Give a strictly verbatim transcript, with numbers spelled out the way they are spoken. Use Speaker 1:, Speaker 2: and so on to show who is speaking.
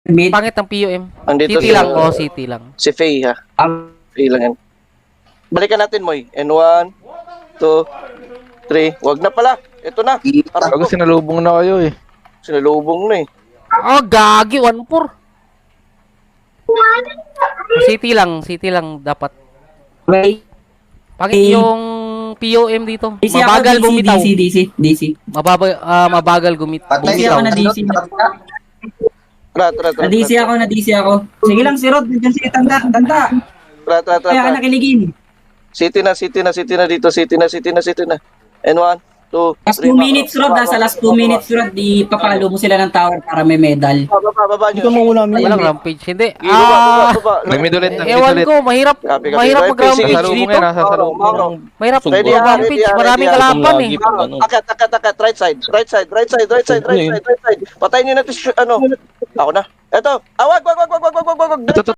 Speaker 1: Mid.
Speaker 2: Pangit ang P U M.
Speaker 3: Andito
Speaker 2: City
Speaker 3: si-
Speaker 2: lang, oh, City lang.
Speaker 3: Si Faye ha.
Speaker 1: Um,
Speaker 3: Faye lang yan. Balikan natin, Moy. And one, two, three. Wag na pala. Ito na. Aray
Speaker 4: Bago
Speaker 3: ko.
Speaker 4: sinalubong na kayo eh.
Speaker 3: Sinalubong na eh.
Speaker 2: Oh, gagi, one four. City lang, City lang dapat.
Speaker 1: Wait.
Speaker 2: Pangit
Speaker 1: Eh.
Speaker 2: yung P U M dito.
Speaker 1: D C ako,
Speaker 2: Mabagal
Speaker 1: D C,
Speaker 2: bumitaw.
Speaker 1: D C, D C, D C.
Speaker 2: Mababa, ah, mabagal gumit.
Speaker 5: Patay
Speaker 1: D C
Speaker 2: bumitaw.
Speaker 1: ako na D C.
Speaker 3: Tara, tara, tara.
Speaker 1: Na D C ako, na D C ako. Sige lang, si Rod. Diyan si Tanda. Tanda.
Speaker 3: Tara, tara, tara.
Speaker 1: Kaya ka
Speaker 3: tara.
Speaker 1: nakiligin.
Speaker 3: City na, City na, City na dito. City na, City na, City na. And one, two,
Speaker 1: Last
Speaker 3: three.
Speaker 1: two minutes, Rod. Nasa last two minutes, Rod. Di papalo mo sila ng tower para may medal.
Speaker 3: Baba, baba, baba nyo.
Speaker 2: Walang rampage. Hindi.
Speaker 3: Sige, baba, baba,
Speaker 2: Ah,
Speaker 3: baba.
Speaker 4: Nag-mid ulit, nag-mid
Speaker 2: ewan
Speaker 4: ulit.
Speaker 2: ko, mahirap.
Speaker 3: Copy, copy.
Speaker 2: Mahirap
Speaker 3: Right,
Speaker 2: mag-rampage
Speaker 3: sige.
Speaker 4: Nasa salubong
Speaker 2: dito.
Speaker 4: yan, nasa salubong
Speaker 3: Mauro,
Speaker 4: yan.
Speaker 2: Mahirap
Speaker 3: Ready, ah,
Speaker 2: mag-rampage.
Speaker 3: ready, ah,
Speaker 2: Maraming
Speaker 3: ready, ah.
Speaker 2: kalaban eh.
Speaker 3: Mauro, akat, akat, akat. Right side, right side, right side, right side, right side, right side, right side. Patayin nyo natin, si- ano. Ako na. Eto. Ah, wag, wag, wag, wag, wag, wag, wag, wag.
Speaker 4: Ito, ito,